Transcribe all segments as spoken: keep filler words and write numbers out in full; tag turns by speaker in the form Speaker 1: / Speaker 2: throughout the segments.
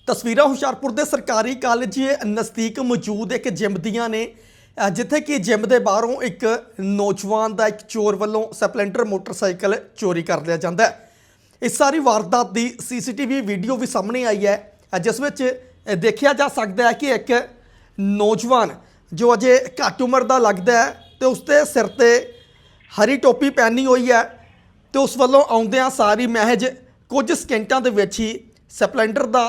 Speaker 1: ਤਸਵੀਰਾਂ ਹੁਸ਼ਿਆਰਪੁਰ ਦੇ ਸਰਕਾਰੀ ਕਾਲਜ ਨਜ਼ਦੀਕ ਮੌਜੂਦ ਇੱਕ ਜਿਮ ਦੀਆਂ ਨੇ ਅ, ਜਿੱਥੇ ਕਿ ਜਿਮ ਦੇ ਬਾਹਰੋਂ ਇੱਕ ਨੌਜਵਾਨ ਦਾ ਇੱਕ ਚੋਰ ਵੱਲੋਂ ਸਪਲੈਂਡਰ ਮੋਟਰਸਾਈਕਲ ਚੋਰੀ ਕਰ ਲਿਆ ਜਾਂਦਾ ਹੈ। ਇਸ ਸਾਰੀ ਵਾਰਦਾਤ ਦੀ ਸੀਸੀਟੀਵੀ ਵੀਡੀਓ ਵੀ ਸਾਹਮਣੇ ਆਈ ਹੈ, ਅ, ਜਿਸ ਵਿੱਚ ਅ, ਦੇਖਿਆ ਜਾ ਸਕਦਾ ਹੈ ਕਿ ਇੱਕ ਨੌਜਵਾਨ ਜੋ ਅਜੇ ਘੱਟ ਉਮਰ ਦਾ ਲੱਗਦਾ ਹੈ ਤੇ ਉਸਦੇ ਸਿਰ ਤੇ ਹਰੀ ਟੋਪੀ ਪਹਿਨੀ ਹੋਈ ਹੈ ਤੇ ਉਸ ਵੱਲੋਂ ਆਉਂਦਿਆਂ ਸਾਰੀ ਮਹਿਜ ਕੁਝ ਸਕਿੰਟਾਂ ਦੇ ਵਿੱਚ ਹੀ ਸਪਲੈਂਡਰ ਦਾ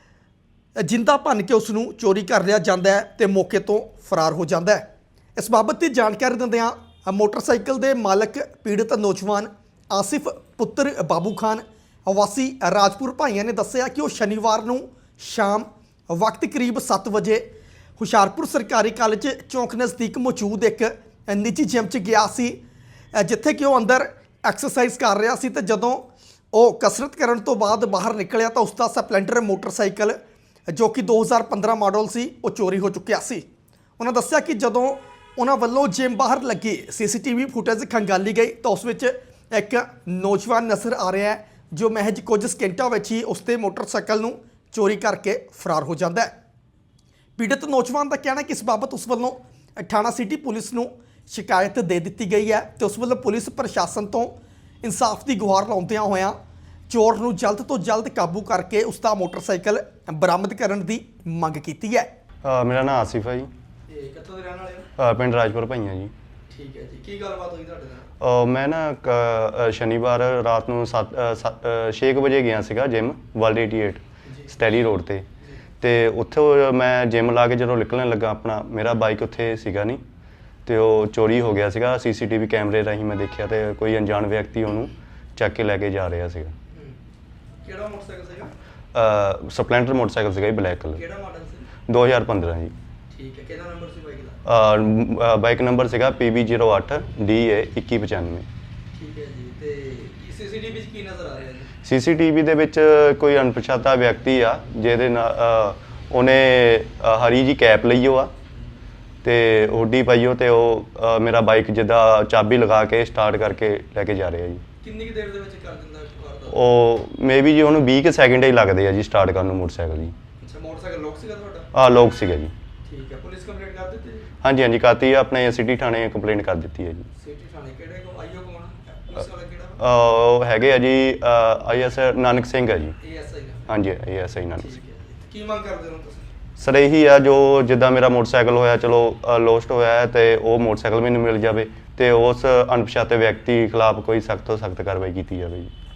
Speaker 1: ਜਿੰਦਾ ਭੰਨ ਕੇ ਉਸ ਨੂੰ ਚੋਰੀ ਕਰ ਲਿਆ ਜਾਂਦਾ ਹੈ ਤੇ ਮੌਕੇ ਤੋਂ ਫਰਾਰ ਹੋ ਜਾਂਦਾ ਹੈ। ਇਸ ਬਾਬਤ ਦੀ ਜਾਣਕਾਰੀ ਦਿੰਦਿਆਂ ਮੋਟਰਸਾਈਕਲ ਦੇ ਮਾਲਕ ਪੀੜਤ ਨੌਜਵਾਨ ਆਸਿਫ ਪੁੱਤਰ ਬਾਬੂ ਖਾਨ ਵਾਸੀ ਰਾਜਪੁਰ ਭਾਈਆਂ ਨੇ ਦੱਸਿਆ ਕਿ ਉਹ ਸ਼ਨੀਵਾਰ ਨੂੰ ਸ਼ਾਮ ਵਕਤ ਕਰੀਬ ਸੱਤ ਵਜੇ ਹੁਸ਼ਿਆਰਪੁਰ ਸਰਕਾਰੀ ਕਾਲਜ ਚੌਂਕ ਨਜ਼ਦੀਕ ਮੌਜੂਦ ਇੱਕ ਨਿੱਜੀ ਜਿਮ 'ਚ ਗਿਆ ਸੀ, ਜਿੱਥੇ ਕਿ ਉਹ ਅੰਦਰ ਐਕਸਰਸਾਈਜ਼ ਕਰ ਰਿਹਾ ਸੀ ਤੇ ਜਦੋਂ ਉਹ ਕਸਰਤ ਕਰਨ ਤੋਂ ਬਾਅਦ ਬਾਹਰ ਨਿਕਲਿਆ ਤਾਂ ਉਸ ਦਾ ਸਪਲੈਂਡਰ ਮੋਟਰਸਾਈਕਲ ਜੋ ਕਿ ਦੋ ਹਜ਼ਾਰ ਪੰਦਰਾਂ ਮਾਡਲ ਸੀ ਉਹ ਚੋਰੀ ਹੋ ਚੁੱਕਿਆ ਸੀ। ਉਹਨਾਂ ਦੱਸਿਆ ਕਿ ਜਦੋਂ ਉਹਨਾਂ ਵੱਲੋਂ ਜਿਮ ਬਾਹਰ ਲੱਗੀ ਸੀਸੀਟੀਵੀ ਫੁਟੇਜ ਖੰਗਾਲੀ ਗਈ ਤਾਂ ਉਸ ਵਿੱਚ ਇੱਕ ਨੌਜਵਾਨ ਨਜ਼ਰ ਆ ਰਿਹਾ ਹੈ ਜੋ ਮਹਿਜ ਕੁਝ ਸਕਿੰਟਾਂ ਵਿੱਚ ਹੀ ਉਸ ਦੇ ਮੋਟਰਸਾਈਕਲ ਨੂੰ ਚੋਰੀ ਕਰਕੇ ਫਰਾਰ ਹੋ ਜਾਂਦਾ ਹੈ। ਪੀੜਤ ਨੌਜਵਾਨ ਦਾ ਕਹਿਣਾ ਕਿ ਇਸ ਬਾਬਤ ਉਸ ਵੱਲੋਂ ਥਾਣਾ ਸਿਟੀ ਪੁਲਿਸ ਨੂੰ ਸ਼ਿਕਾਇਤ ਦੇ ਦਿੱਤੀ ਗਈ ਹੈ ਤੇ ਉਸ ਵੱਲੋਂ ਪੁਲਿਸ ਪ੍ਰਸ਼ਾਸਨ ਤੋਂ ਇਨਸਾਫ ਦੀ ਗੁਹਾਰ ਲਾਉਂਦਿਆਂ ਹੋਇਆਂ ਚੋਰ ਨੂੰ ਜਲਦ ਤੋਂ ਜਲਦ ਕਾਬੂ ਕਰਕੇ ਉਸ ਦਾ ਮੋਟਰਸਾਈਕਲ ਬਰਾਮਦ ਕਰਨ ਦੀ ਮੰਗ ਕੀਤੀ ਹੈ।
Speaker 2: ਅ, ਮੇਰਾ ਨਾਮ ਆਸਿਫ ਹੈ ਜੀ।
Speaker 1: ਤੇ ਕਿੱਥੋਂ ਦੇ ਰਹਿਣ ਵਾਲੇ ਹੋ?
Speaker 2: ਅ, ਪਿੰਡ ਰਾਜਪੁਰ ਭਾਈਆਂ ਜੀ।
Speaker 1: ਠੀਕ ਹੈ ਜੀ, ਕੀ ਗੱਲਬਾਤ ਹੋਈ ਤੁਹਾਡੇ ਨਾਲ?
Speaker 2: ਅ, ਮੈਂ ਨਾ ਕ- ਅ, ਸ਼ਨੀਵਾਰ ਰਾਤ ਨੂੰ ਸੱਤ ਛੇ ਕੁ ਵਜੇ ਗਿਆ ਸੀਗਾ ਜਿਮ ਵਰਲਡ ਅਠਾਸੀ ਸਟੈਲੀ ਰੋਡ ਤੇ ਤੇ ਉੱਥੋਂ ਮੈਂ ਜਿਮ ਲਾ ਕੇ ਜਦੋਂ ਨਿਕਲਣ ਲੱਗਾ ਆਪਣਾ ਮੇਰਾ ਬਾਈਕ ਉੱਥੇ ਸੀਗਾ ਨਹੀਂ ਤੇ ਉਹ ਚੋਰੀ ਹੋ ਗਿਆ ਸੀਗਾ। ਸੀਸੀਟੀਵੀ ਕੈਮਰੇ ਰਾਹੀਂ ਮੈਂ ਦੇਖਿਆ ਤੇ ਕੋਈ ਅਣਜਾਣ ਵਿਅਕਤੀ ਉਹਨੂੰ ਚੱਕ ਕੇ ਲੈ ਕੇ ਜਾ ਰਿਹਾ ਸੀਗਾ।
Speaker 1: ਕਿਹੜਾ ਮੋਟਰਸਾਈਕਲ ਸੀਗਾ?
Speaker 2: ਅ, ਸਪਲੈਂਡਰ ਮੋਟਰਸਾਈਕਲ ਸੀਗਾ ਜੀ, ਬਲੈਕ ਕਲਰ।
Speaker 1: ਕਿਹੜਾ ਮਾਡਲ ਸੀ?
Speaker 2: ਦੋ ਹਜ਼ਾਰ ਪੰਦਰਾਂ ਜੀ।
Speaker 1: ਠੀਕ ਹੈ, ਕਿਹੜਾ ਨੰਬਰ ਸੀ ਬਾਈਕ ਦਾ?
Speaker 2: ਅ, ਬਾਈਕ ਨੰਬਰ ਸੀਗਾ ਪੀ ਬੀ ਜ਼ੀਰੋ ਅੱਠ ਡੀ ਏ ਇੱਕੀ ਪਚਾਨਵੇਂ।
Speaker 1: ਠੀਕ ਹੈ ਜੀ, ਤੇ ਸੀਸੀਟੀਵੀ ਵਿੱਚ ਕੀ ਨਜ਼ਰ ਆ ਰਿਹਾ ਜੀ?
Speaker 2: ਸੀਸੀਟੀਵੀ ਦੇ ਵਿੱਚ ਕੋਈ ਅਣਪਛਾਤਾ ਵਿਅਕਤੀ ਆ ਜਿਹਦੇ ਨਾਲ ਅ, ਉਹਨੇ ਅ, ਹਰੀ ਜੀ ਕੈਪ ਲਈ ਹੋ ਆ ਤੇ ਹੁੱਡੀ ਪਾਈ ਹੋ ਤੇ ਉਹ ਅ, ਮੇਰਾ ਬਾਈਕ ਜਿੱਦਾਂ ਚਾਬੀ ਲਗਾ ਕੇ ਸਟਾਰਟ ਕਰਕੇ ਲੈ ਕੇ ਜਾ ਰਿਹਾ ਜੀ।
Speaker 1: ਕਿੰਨੀ ਕੁ ਦੇਰ ਦੇ ਵਿੱਚ ਕਰ ਦਿੰਦਾ ਵਾਰਦਾਤ?
Speaker 2: ਉਹ ਮੇਬੀ ਜੀ ਉਹਨੂੰ ਵੀਹ ਕੁ ਸੈਕਿੰਡ ਹੀ ਲੱਗਦੇ ਆ ਜੀ ਸਟਾਰਟ ਕਰਨ ਨੂੰ ਮੋਟਰਸਾਈਕਲ ਜੀ।
Speaker 1: ਅੱਛਾ, ਮੋਟਰਸਾਈਕਲ ਲੋਕ ਸੀਗਾ ਤੁਹਾਡਾ?
Speaker 2: ਆ ਲੋਕ ਸੀਗਾ ਜੀ।
Speaker 1: ਠੀਕ ਹੈ, ਪੁਲਿਸ ਕੰਪਲੇਂਟ ਕਰ ਦਿੱਤੀ ਜੀ?
Speaker 2: ਹਾਂਜੀ ਹਾਂਜੀ ਕਰਤੀ ਆ, ਆਪਣੇ ਸਿਟੀ ਥਾਣੇ ਕੰਪਲੇਂਟ ਕਰ ਦਿੱਤੀ ਹੈ ਜੀ।
Speaker 1: ਸਿਟੀ ਥਾਣੇ ਕਿਹੜੇ ਕੋ ਆਈਓ ਕੋਣ? ਪੁਲਿਸ ਵਾਲਾ ਕਿਹੜਾ?
Speaker 2: ਅ, ਉਹ ਹੈਗੇ ਆ ਜੀ ਆਈ ਐਸ ਨਾਨਕ ਸਿੰਘ ਆ ਜੀ।
Speaker 1: ਏਐਸਆਈ ਦਾ?
Speaker 2: ਹਾਂਜੀ I S I Nanak Singh.
Speaker 1: ਠੀਕ ਹੈ ਜੀ, ਕੀ ਮੰਗ ਕਰਦੇ ਹੋ ਤੁਸੀਂ?
Speaker 2: ਸਰ ਇਹੀ ਆ ਜੋ ਜਿੱਦਾਂ ਮੇਰਾ ਮੋਟਰਸਾਈਕਲ ਹੋਇਆ ਚਲੋ ਲੋਸਟ ਹੋਇਆ ਹੈ ਤੇ ਉਹ ਮੋਟਰਸਾਈਕਲ ਮੈਨੂੰ ਮਿਲ ਜਾਵੇ ਤੇ ਉਸ ਅਣਪਛਾਤੇ ਵਿਅਕਤੀ ਖਿਲਾਫ ਕੋਈ ਸਖਤ ਤੋਂ ਸਖਤ ਕਾਰਵਾਈ ਕੀਤੀ ਜਾਵੇ ਜੀ।